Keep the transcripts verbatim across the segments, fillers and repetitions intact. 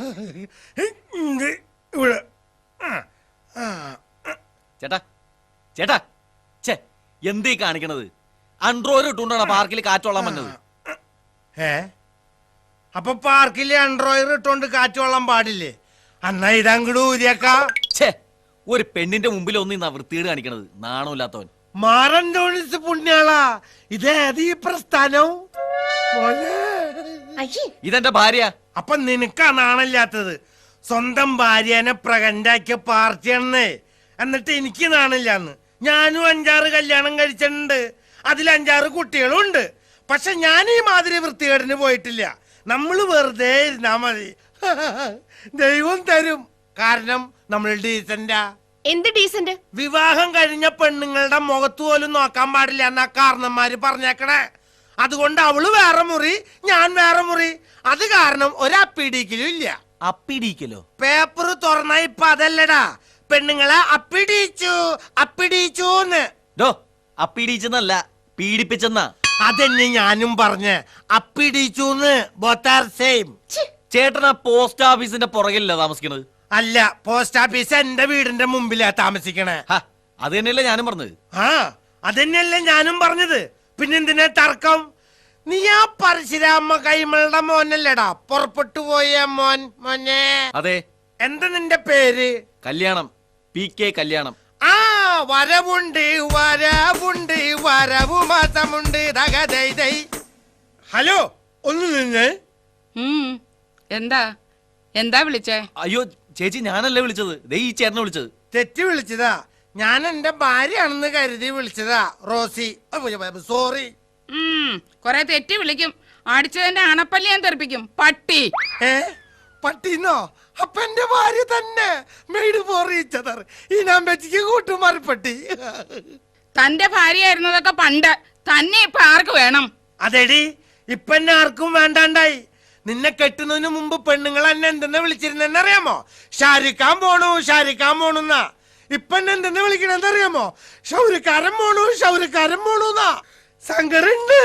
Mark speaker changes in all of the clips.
Speaker 1: ചേട്ടാ ചേട്ടാ ചേ എന്തീ കാണിക്കണത്? അൺഡ്രോയിഡ് ഇട്ടുകൊണ്ടാണ് പാർക്കിൽ കാറ്റോളാൻ വന്നത്.
Speaker 2: ഏ അപ്പൊ പാർക്കിൽ അൺഡ്രോയിഡ് ഇട്ടോണ്ട് കാറ്റോളാൻ പാടില്ലേ? അന്നാ ഇതങ്ങട് ഊരിയേക്കാ.
Speaker 1: ഛേ, ഒരു പെണ്ണിന്റെ മുമ്പിൽ ഒന്നും വൃത്തികേട് കാണിക്കണത്, നാണമില്ലാത്തവൻ.
Speaker 2: മാറൻ ഡോണിസ് പുണ്യാളാ, ഇതേത് ഈ പ്രസ്ഥാനം?
Speaker 1: ഇതെന്റെ ഭാര്യ.
Speaker 2: അപ്പൊ നിനക്കാ നാണില്ലാത്തത്? സ്വന്തം ഭാര്യനെ പ്രകണ്ടാക്കിയ പാർട്ടിയാണെന്നേ. എന്നിട്ട് എനിക്ക് നാണില്ലാന്ന്. ഞാനും അഞ്ചാറ് കല്യാണം കഴിച്ചിട്ടുണ്ട്, അതിൽ അഞ്ചാറ് കുട്ടികളും ഉണ്ട്. പക്ഷെ ഞാൻ ഈ മാതിരി വൃത്തികേടിന് പോയിട്ടില്ല. നമ്മള് വെറുതെ ഇരുന്നാ മതി, ദൈവം തരും. കാരണം നമ്മൾ ഡീസന്റാ.
Speaker 3: എന്ത് ഡീസന്റ്?
Speaker 2: വിവാഹം കഴിഞ്ഞ പെണ്ണുങ്ങളുടെ മുഖത്ത് പോലും നോക്കാൻ പാടില്ല എന്നാ കാരണന്മാര് പറഞ്ഞേക്കണേ. അതുകൊണ്ട് അവള് വേറെ മുറി, ഞാൻ വേറെ മുറി. അത് കാരണം ഒരപ്പിടിക്കലും ഇല്ല.
Speaker 1: അപ്പിടിക്കലോ?
Speaker 2: പേപ്പർ തുറന്ന ഇപ്പൊ അതല്ലടാ, പെണ്ണുങ്ങളെ അപ്പിടിച്ചു അപ്പിടിച്ചൂന്ന്.
Speaker 1: അപ്പിടിച്ചെന്നല്ല, പീഡിപ്പിച്ചെന്നാ.
Speaker 2: അതെന്നെ ഞാനും പറഞ്ഞ്, അപ്പിടിച്ചൂന്ന്. Both are same.
Speaker 1: ചേട്ടനാ പോസ്റ്റ് ഓഫീസിന്റെ പുറകിലല്ല താമസിക്കണത്?
Speaker 2: അല്ല, പോസ്റ്റ് ഓഫീസ് എന്റെ വീടിന്റെ മുമ്പിലാ താമസിക്കണേ.
Speaker 1: അത് തന്നെയല്ലേ ഞാനും പറഞ്ഞത്.
Speaker 2: ആ അതന്നെയല്ലേ ഞാനും പറഞ്ഞത്. പിന്നെന്തിനാ തർക്കം? നീ ആ പരശുരാമ കൈമളുടെ മോനല്ലേടാ പുറപ്പെട്ടു പോയ മോൻ? മോനെ. അതെ. എന്താ നിന്റെ പേര്?
Speaker 1: കല്യാണം. പി കെ കല്യാണം.
Speaker 2: ആ വരവുണ്ട് വരവുണ്ട് വരവു മാസമുണ്ട്. ഹലോ, ഒന്ന് നിന്ന്.
Speaker 4: എന്താ എന്താ വിളിച്ചേ?
Speaker 1: അയ്യോ ചേച്ചി, ഞാനല്ലേ വിളിച്ചത്, ദേ ഈ ചേട്ടനെ വിളിച്ചത്.
Speaker 2: തെറ്റി വിളിച്ചതാ. ഞാൻ എന്റെ ഭാര്യയാണെന്ന് കരുതി വിളിച്ചതാ, റോസി. സോറി.
Speaker 4: കൊറേ തെറ്റി വിളിക്കും. അടിച്ചതിന്റെ അണപ്പല്ലി ഞാൻ തെറിപ്പിക്കും, പട്ടി.
Speaker 2: ഏ പട്ടിന്നോ? അപ്പൊ എന്റെ ഭാര്യ തന്നെ. Made for each other. ഈ നമ്പറ്റിക്ക് കൂട്ടുമാറിപ്പട്ടി.
Speaker 4: തന്റെ ഭാര്യയായിരുന്നതൊക്കെ പണ്ട്, തന്നെ ഇപ്പൊ ആർക്ക് വേണം?
Speaker 2: അതെടി, ഇപ്പൊ എന്നെ ആർക്കും വേണ്ടാണ്ടായി. നിന്നെ കെട്ടുന്നതിന് മുമ്പ് പെണ്ണുങ്ങൾ എന്നെ എന്തെന്ന് വിളിച്ചിരുന്നെന്ന് അറിയാമോ? ഷാരിക്കാൻ പോണു ഷാരിക്കാൻ പോണുന്നാ. ഇപ്പൊ എന്നെ എന്തെന്ന് വിളിക്കണെന്ന് അറിയാമോ? ഷൗരിക്കാരൻ പോണു ഷൗരിക്കാരൻ പോണുന്നാ. സങ്കടുണ്ട്.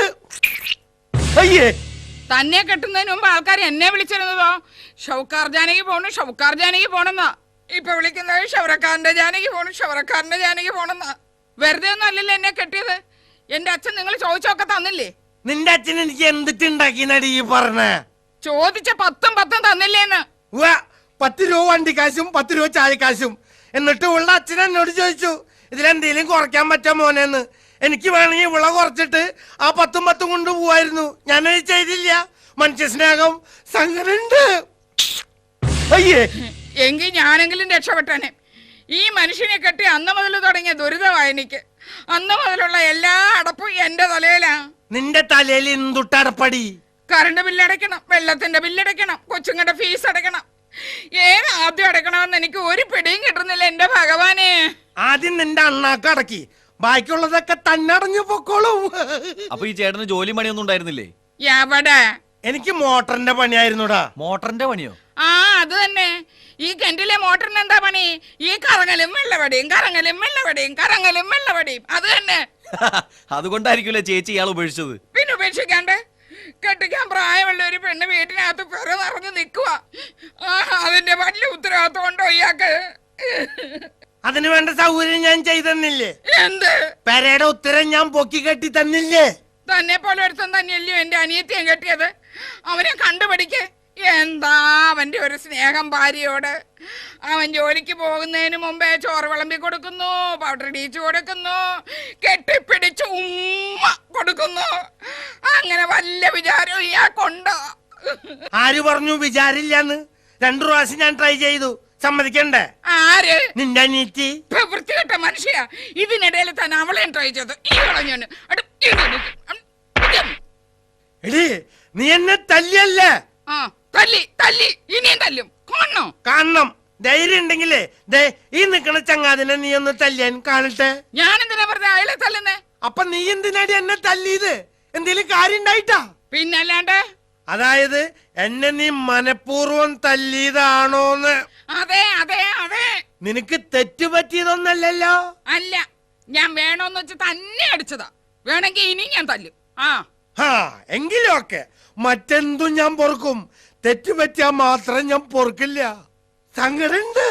Speaker 2: അയ്യേ,
Speaker 4: തന്നെ കെട്ടുന്നതിന് മുമ്പ് ആൾക്കാർ എന്നെ വിളിച്ചിരുന്നതോ ഷൗക്കാർ ജാനകി പോണു ഷൗക്കാർ ജാനകി പോണെന്നാ. ഇപ്പൊ വിളിക്കുന്നത് ഷൗറക്കാരന്റെ ജാനകി പോണു ഷൗറക്കാരന്റെ ജാനകി പോണെന്നാ. വെറുതെ ഒന്നും അല്ലല്ലോ എന്നെ കെട്ടിയത്. എന്റെ അച്ഛൻ നിങ്ങൾ ചോദിച്ചൊക്കെ തന്നില്ലേ?
Speaker 2: നിന്റെ അച്ഛൻ എനിക്ക് എന്തിട്ടുണ്ടാക്കി നടി ഈ പറഞ്ഞേ?
Speaker 4: ചോദിച്ച പത്തും പത്തും തന്നില്ലേന്ന്.
Speaker 2: പത്ത് രൂപ വണ്ടിക്കാശും പത്ത് രൂപ ചായക്കാശും. എന്നിട്ട് ഉള്ള അച്ഛൻ എന്നോട് ചോദിച്ചു, ഇതിലെന്തേലും കുറയ്ക്കാൻ പറ്റാ മോനെന്ന്. എനിക്ക് വേണമെങ്കിൽ വിള കുറച്ചിട്ട് ആ പത്തും പത്തും കൊണ്ട് പോവായിരുന്നു. ഞാനത് ചെയ്തില്ല. മനുഷ്യ സ്നേഹം സങ്കടുണ്ട്. അയ്യേ,
Speaker 4: എങ്കിൽ ഞാനെങ്കിലും രക്ഷപ്പെട്ടനെ. ഈ മനുഷ്യനെ കെട്ടി അന്ന് മുതൽ തുടങ്ങിയ ദുരിതമായി എനിക്ക്. അന്ന് മുതലുള്ള എല്ലാ അടപ്പും എന്റെ തലയിലാ.
Speaker 2: നിന്റെ തലയിൽ എന്തുട്ടടപ്പടി?
Speaker 4: കറണ്ട് ബില്ലടയ്ക്കണം, വെള്ളത്തിന്റെ ബില്ലടയ്ക്കണം, കൊച്ചുങ്ങളുടെ ഫീസ് അടയ്ക്കണം. ഏത് ആദ്യം അടയ്ക്കണമെന്ന് എനിക്ക് ഒരു പിടിയും കിട്ടുന്നില്ല എന്റെ ഭഗവാനെ.
Speaker 2: ആദ്യം നിന്റെ അണ്ണാക്ക് അടക്കി, ബാക്കിയുള്ളതൊക്കെ തന്നടഞ്ഞു പൊക്കോളും.
Speaker 1: അപ്പൊ ഈ ചേട്ടന് ജോലി പണിയൊന്നും ഉണ്ടായിരുന്നില്ലേ?
Speaker 4: എവിടെ?
Speaker 2: എനിക്ക് മോട്ടറിന്റെ പണിയായിരുന്നുടാ.
Speaker 1: മോട്ടറിന്റെ പണിയോ?
Speaker 4: ആ അത് തന്നെ. ഈ കിണറ്റിലെ മോട്ടറിന് എന്താ പണി? ഈ കറങ്ങലും വെള്ളവടിയും കറങ്ങലും വെള്ളവടിയും കറങ്ങലും വെള്ളവടിയും. അത് തന്നെ.
Speaker 1: അതുകൊണ്ടായിരിക്കുമല്ലേ ചേച്ചി ഇയാൾ ഉപേക്ഷിച്ചത്?
Speaker 4: പിന്നെ ഉപേക്ഷിക്കാണ്ട്? കെട്ടിക്കാൻ പ്രായമുള്ള ഒരു പെണ്ണ് വീട്ടിനകത്ത് പെറ നിറഞ്ഞു നിൽക്കുക. അതിന്റെ വലിയ ഉത്തരവാദിത്വം ഉണ്ടോ ഇയാൾക്ക്?
Speaker 2: അതിന് വേണ്ട സൗകര്യം ഞാൻ ചെയ്തെന്നില്ലേ?
Speaker 4: എന്ത്?
Speaker 2: പെരയുടെ ഉത്തരം ഞാൻ പൊക്കി കെട്ടി തന്നില്ലേ?
Speaker 4: തന്നെ പോലെ ഒരുത്തൻ തന്നെയല്ലയോ എന്റെ അനിയത്തിയും കെട്ടിയത്. അവനെ കണ്ടുപിടിക്കേ. എന്താ അവന്റെ ഒരു സ്നേഹം ഭാര്യയോട്. അവൻ ജോലിക്ക് പോകുന്നതിന് മുമ്പേ ചോറ് വിളമ്പി കൊടുക്കുന്നു, പൗഡർ ഇടിച്ചു കൊടുക്കുന്നു, കെട്ടിപ്പിടിച്ച് ഉമ്മ കൊടുക്കുന്നു. അങ്ങനെ വല്ല വിചാരവും ഇയാൾക്കുണ്ടോ?
Speaker 2: ആര് പറഞ്ഞു വിചാരില്ലാന്ന്? രണ്ടു പ്രാവശ്യം ഞാൻ ട്രൈ ചെയ്തു, സമ്മതിക്കണ്ടേ?
Speaker 4: ആര്?
Speaker 2: നിന്റെ അനിയത്തി.
Speaker 4: വൃത്തികെട്ട മനുഷ്യ. ഇതിനിടയിൽ തന്നെ അവളെയും ട്രൈ ചെയ്തു. ഈ കളഞ്ഞു.
Speaker 2: എടി, നീ എന്നെ തല്ലിയല്ലേ?
Speaker 4: ആ തല്ലി തല്ലി ഇനിയും തല്ലും. കാണണോ?
Speaker 2: കാണണം. ധൈര്യം ഉണ്ടെങ്കിലേ ദേ ഈ നിക്കണ ചങ്ങാതിനെ നീ ഒന്ന് തല്ലിയാൻ കാണട്ടെ.
Speaker 4: ഞാൻ എന്തിനാ പറഞ്ഞ അയാളെ തല്ലുന്നേ?
Speaker 2: അപ്പൊ നീ എന്തിനാടി എന്നെ തല്ലിയത്? എന്തേലും കാര്യം ഉണ്ടായിട്ടാ?
Speaker 4: പിന്നല്ലാണ്ട്.
Speaker 2: അതായത് എന്നെ നീ മനഃപൂർവ്വം തല്ലിയതാണോന്ന്?
Speaker 4: അതെ അതെ അതെ.
Speaker 2: നിനക്ക് തെറ്റുപറ്റിയതൊന്നല്ലല്ലോ?
Speaker 4: അല്ല, ഞാൻ വേണോന്ന് വെച്ച് തന്നെ അടിച്ചതാ. വേണമെങ്കിൽ ഇനി ഞാൻ തല്ലും. ആ
Speaker 2: ആ എങ്കിലും ഒക്കെ മറ്റെന്തും ഞാൻ പൊറുക്കും, തെറ്റുപറ്റിയാ മാത്രം ഞാൻ പൊറുക്കില്ല. സങ്കടുണ്ട്.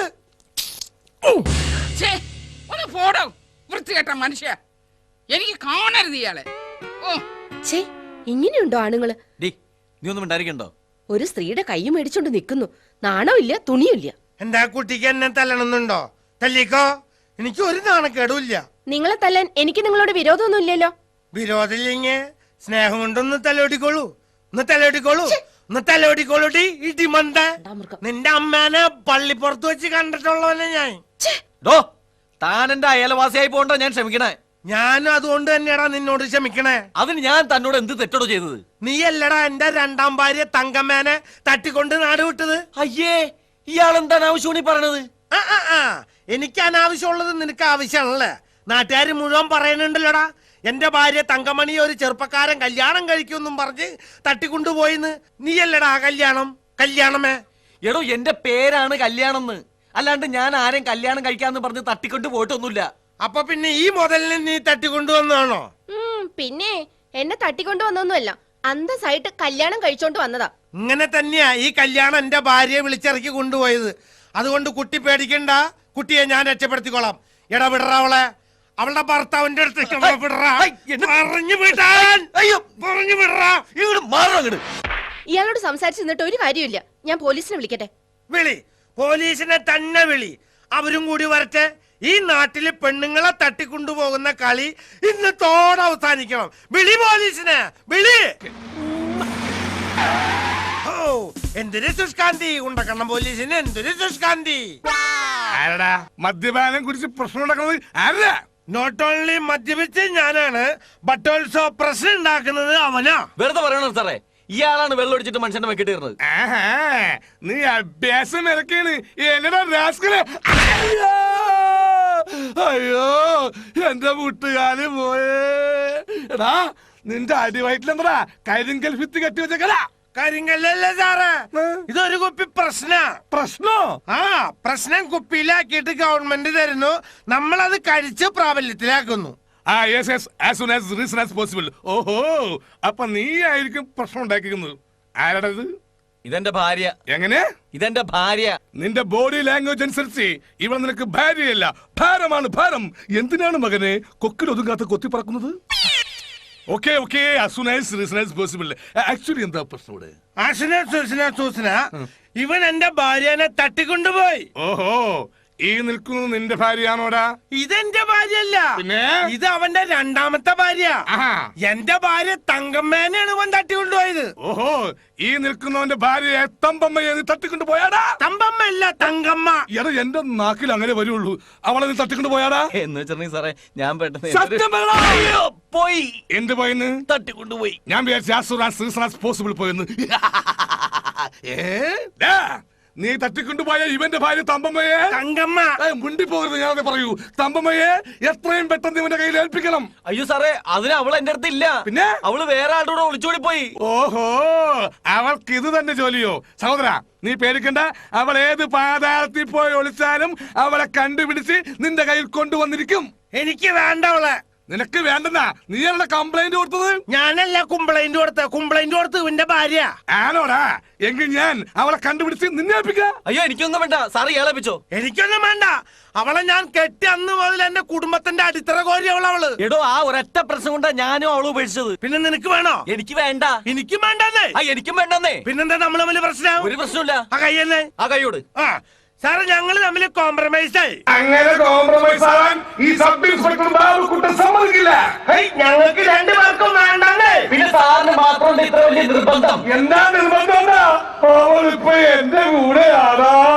Speaker 4: ഛേ, ഒന്ന് പോടോ വൃത്തികെട്ട മനുഷ്യ, എനിക്ക് കാണരുത് ഇയാളെ. ഓ
Speaker 3: ഛേ, ഇങ്ങനെയുണ്ടോ ആണുങ്ങള്?
Speaker 1: ഡി നീ ഒന്നും ഉണ്ടായിരിക്കണ്ടോ?
Speaker 3: ഒരു സ്ത്രീയുടെ കൈ മേടിച്ചോണ്ട് നിൽക്കുന്നു, നാണമില്ല തുണിയില്ല.
Speaker 2: എന്താ കുട്ടിക്ക് എന്നെ തല്ലണമെന്നുണ്ടോ? തല്ലിക്കോ, എനിക്ക് ഒരു നാണക്കേടുമില്ല.
Speaker 3: നിങ്ങളെ തല്ലാൻ എനിക്ക് നിങ്ങളോട് വിരോധമൊന്നും ഇല്ലല്ലോ.
Speaker 2: വിരോധമില്ലെങ്കിൽ സ്നേഹം കൊണ്ടൊന്ന് തലോടിക്കോളൂ, ഒന്ന് തലോടിക്കോളൂ, ഒന്ന് തലോടിക്കോളൂട്ടി. ഇടിമന്ത, നിന്റെ അമ്മേനെ പള്ളിപ്പുറത്ത് വെച്ച് കണ്ടിട്ടുള്ളവനെ ഞാൻ.
Speaker 1: ഡോ താൻ എന്റെ അയൽവാസിയായി പോകണ്ട ഞാൻ ക്ഷമിക്കണേ.
Speaker 2: ഞാനും അതുകൊണ്ട് തന്നെയാടാ നിന്നോട് ക്ഷമിക്കണേ.
Speaker 1: അതിന് ഞാൻ തന്നോട് എന്ത് തെറ്റോടോ ചെയ്തത്?
Speaker 2: നീ അല്ലടാ എന്റെ രണ്ടാം ഭാര്യ തങ്കമ്മേനെ തട്ടിക്കൊണ്ട് നാട് വിട്ടത്.
Speaker 1: അയ്യേ, ഇയാൾ എന്താണ് ആവശ്യമാണ് ഈ പറയണത്?
Speaker 2: ആ ആ ആ എനിക്ക് അനാവശ്യമുള്ളത് നിനക്ക് ആവശ്യമാണല്ലേ? നാട്ടുകാർ മുഴുവൻ പറയുന്നുണ്ടല്ലോടാ, എന്റെ ഭാര്യ തങ്കമണി ഒരു ചെറുപ്പക്കാരൻ കല്യാണം കഴിക്കുമെന്നും പറഞ്ഞ് തട്ടിക്കൊണ്ടുപോയിന്ന്. നീയല്ലടാ ആ കല്യാണം കല്യാണമേ.
Speaker 1: എടോ എന്റെ പേരാണ് കല്യാണം എന്ന്, അല്ലാണ്ട് ഞാൻ ആരെയും കല്യാണം കഴിക്കാന്ന് പറഞ്ഞ് തട്ടിക്കൊണ്ട് പോയിട്ടൊന്നുമില്ല.
Speaker 2: അപ്പൊ പിന്നെ ഈ മുതലിനെ നീ തട്ടിക്കൊണ്ടുവന്നാണോ?
Speaker 3: പിന്നെ എന്നെ തട്ടിക്കൊണ്ടു വന്നൊന്നുമല്ല, അന്തസ്സായിട്ട് കല്യാണം കഴിച്ചോണ്ട് വന്നതാ.
Speaker 2: ഇങ്ങനെ തന്നെയാ ഈ കല്യാണം എന്റെ ഭാര്യയെ വിളിച്ചിറക്കി കൊണ്ടുപോയത്. അതുകൊണ്ട് കുട്ടി പേടിക്കണ്ട, കുട്ടിയെ ഞാൻ രക്ഷപ്പെടുത്തിക്കോളാം. എടാ വിടറ അവളെ, അവളുടെ ഭർത്താവിന്റെ അടുത്തേക്ക് വിടറാ. പറഞ്ഞു വിടാൻ, അയ്യോ പറഞ്ഞു വിടറാ.
Speaker 1: ഇങ്ങോട്ട് മാറണം അങ്ങട്.
Speaker 3: ഇയാളോട് സംസാരിച്ചു നിന്നിട്ട് ഒരു കാര്യമില്ല, ഞാൻ പോലീസിനെ വിളിക്കട്ടെ?
Speaker 2: വിളി, പോലീസിനെ തന്നെ വിളി. അവരും കൂടി വരട്ടെ. ഈ നാട്ടില് പെണ്ണുങ്ങളെ തട്ടിക്കൊണ്ടുപോകുന്ന കളി ഇന്ന് തോടെ അവസാനിക്കണം. വിളി പോലീസിനെ, വിളി. ഓ എന്തൊരു സുഷ്കാന്തി, ഉണ്ടക്കണം പോലീസിന് എന്തൊരു സുഷ്കാന്തി.
Speaker 5: ആരടാ മദ്യപാനം കുറിച്ച് പ്രശ്നം ഉണ്ടാക്കുന്നത്? ആരടാ?
Speaker 2: നോട്ട് ഓൺലി മദ്യപിച്ച് ഞാനാണ്, ബട്ട് ഓൾസോ പ്രശ്നം ഉണ്ടാക്കുന്നത് അവനാ.
Speaker 1: വെറുതെ പറയണോ സാറേ, ഇയാളാണ് വെള്ളം ഒടിച്ചിട്ട് മനുഷ്യന്റെ വെക്കിട്ടിരുന്നത്.
Speaker 5: ആഹാ, നീ അഭ്യാസം ഇറക്കാണ്. എന്നടാ രാസ്കലെ. അയ്യോ അയ്യോ എന്റെ വീട്ടുകാര് പോയേ. എടാ നിന്റെ അടിവയറ്റിലെന്താ കരിങ്കൽ ഭിത്തി കെട്ടി വെച്ചേക്കല?
Speaker 2: കാര്യങ്ങളല്ലേ സാറേ, ഇതൊരു കുപ്പി പ്രശ്ന.
Speaker 5: പ്രശ്നോ?
Speaker 2: ആ പ്രശ്നം കുപ്പിയിലാക്കിയിട്ട് ഗവൺമെന്റ് തരുന്നു, നമ്മളത് കഴിച്ച് പ്രാബല്യത്തിലാക്കുന്നു.
Speaker 5: ആ yes yes as soon as reason as possible. ഓഹോ, അപ്പൊ നീ ആയിരിക്കും പ്രശ്നം ഉണ്ടാക്കിക്കുന്നത്. ആരാടത്?
Speaker 1: ഇതെന്റെ ഭാര്യ.
Speaker 5: എങ്ങനെ?
Speaker 1: ഇതെന്റെ ഭാര്യ.
Speaker 5: നിന്റെ ബോഡി ലാംഗ്വേജ് അനുസരിച്ച് ഇവൾ നിനക്ക് ഭാര്യയല്ല, ഭാരമാണ്, ഭാരം. എന്തിനാണ് മകനെ കൊക്കിൽ ഒതുങ്ങാത്ത കൊത്തി പറക്കുന്നത്? Okay okay possible. ആക്ച്വലി എന്താ പ്രശ്നം ഇവിടെ?
Speaker 2: ആശന സൂസന സൂസന ഇവൻ എന്റെ ഭാര്യനെ തട്ടിക്കൊണ്ടുപോയി.
Speaker 5: ഓഹോ, ഈ നിൽക്കുന്നത് നിന്റെ ഭാര്യയാണോടാ?
Speaker 2: ഇതെന്റെ ഭാര്യയല്ല,
Speaker 5: പിന്നെ
Speaker 2: ഇത് അവന്റെ രണ്ടാമത്തെ ഭാര്യ. എന്റെ ഭാര്യ തങ്കമ്മേനെയാണ് ഇവൻ തട്ടിക്കൊണ്ടുപോയത്.
Speaker 5: ഓഹോ, ഈ നിൽക്കുന്നവന്റെ ഭാര്യയെ തമ്പമ്മയെ നീ തട്ടിക്കൊണ്ട് പോയാടാ?
Speaker 2: തമ്പമ്മ അല്ല, തങ്കമ്മ.
Speaker 5: എടാ എന്റെ നാക്കിൽ അങ്ങനെ വരുള്ളൂ. അവളെ നീ തട്ടിക്കൊണ്ട് പോയാടാ?
Speaker 1: എന്ന് വെച്ചിട്ടുണ്ടെങ്കിൽ സാറേ ഞാൻ പെട്ടെന്ന്
Speaker 5: സത്യം പറയടാ.
Speaker 1: അയ്യോ, പോയി.
Speaker 5: എന്ത് പോയെന്ന്?
Speaker 1: തട്ടിക്കൊണ്ടുപോയി.
Speaker 5: ഞാൻ വിചാരിച്ചു പോസിബിൾ പോയെന്ന്. ഏ നീ തട്ടിക്കൊണ്ടുപോയ ഇവന്റെ ഭാര്യ തമ്പമ്മയെ
Speaker 2: തങ്കമ്മ
Speaker 5: മുണ്ടി പോകരുത്. ഞാൻ പറയൂ, തമ്പമ്മയെ എത്രയും പെട്ടെന്ന് ഇവന്റെ കയ്യിൽ ഏൽപ്പിക്കണം.
Speaker 1: അയ്യോ സാറേ, അതിന് അവൾ എന്റെ അടുത്ത് ഇല്ല.
Speaker 5: പിന്നെ
Speaker 1: അവള് വേറെ ആളുടെ കൂടെ ഒളിച്ചോടി പോയി.
Speaker 5: ഓഹോ, അവൾക്ക് ഇത് തന്നെ ജോലിയോ? സഹോദര നീ പേടിക്കണ്ട, അവൾ ഏത് പാതാളത്തിൽ പോയി ഒളിച്ചാലും അവളെ കണ്ടുപിടിച്ച് നിന്റെ കയ്യിൽ കൊണ്ടുവന്നിരിക്കും.
Speaker 2: എനിക്ക് വേണ്ട അവളെ.
Speaker 5: നിനക്ക് വേണ്ടെന്നാ നീ അവളുടെ കംപ്ലൈന്റ് കൊടുത്തത്?
Speaker 2: ഞാനല്ല കംപ്ലൈന്റ് കൊടുത്ത, കംപ്ലൈന്റ് കൊടുത്ത് ഇവന്റെ ഭാര്യ.
Speaker 5: ആണോടാ? എങ്കിൽ ഞാൻ അവളെ കണ്ടുപിടിച്ച് നിന്നെ ഏൽപ്പിക്കാം.
Speaker 1: അയ്യോ എനിക്കൊന്നും വേണ്ട സാറ് ഏളപ്പിച്ചോ.
Speaker 2: എനിക്കൊന്നും വേണ്ട. അവളെ ഞാൻ കെട്ടി അന്ന് മുതൽ എന്റെ കുടുംബത്തിന്റെ അടിത്തറ കോരി അവളവള്.
Speaker 1: എടോ ആ ഒരൊറ്റ പ്രശ്നം കൊണ്ടാ ഞാനും അവളും ഉപേക്ഷിച്ചത്.
Speaker 2: പിന്നെ നിനക്ക് വേണോ?
Speaker 1: എനിക്ക് വേണ്ട.
Speaker 2: എനിക്കും വേണ്ടെന്നേ.
Speaker 1: ആ എനിക്കും വേണ്ടെന്നേ.
Speaker 2: പിന്നെന്താ നമ്മൾ തമ്മിൽ പ്രശ്നം?
Speaker 1: ഒരു പ്രശ്നമില്ല.
Speaker 2: ആ കയ്യെന്നേ.
Speaker 1: ആ കൈയോട്.
Speaker 2: ആ സാറ് ഞങ്ങള് തമ്മിൽ കോംപ്രമൈസ് ആയി.
Speaker 5: അങ്ങനെ കോംപ്രമൈസ് ആവാൻ ഈ സബ് ഇൻസ്പെക്ടർ ബാബുക്കുട്ടൻ സമ്മതിക്കില്ല.
Speaker 2: ഞങ്ങൾക്ക് രണ്ടുപേർക്കും വേണ്ടെന്നേ.
Speaker 1: പിന്നെ സാറിന് മാത്രം ഇത്ര വലിയ നിർബന്ധം?
Speaker 5: എന്താ നിർബന്ധം? അവളിപ്പോ എന്റെ കൂടെയാണോ?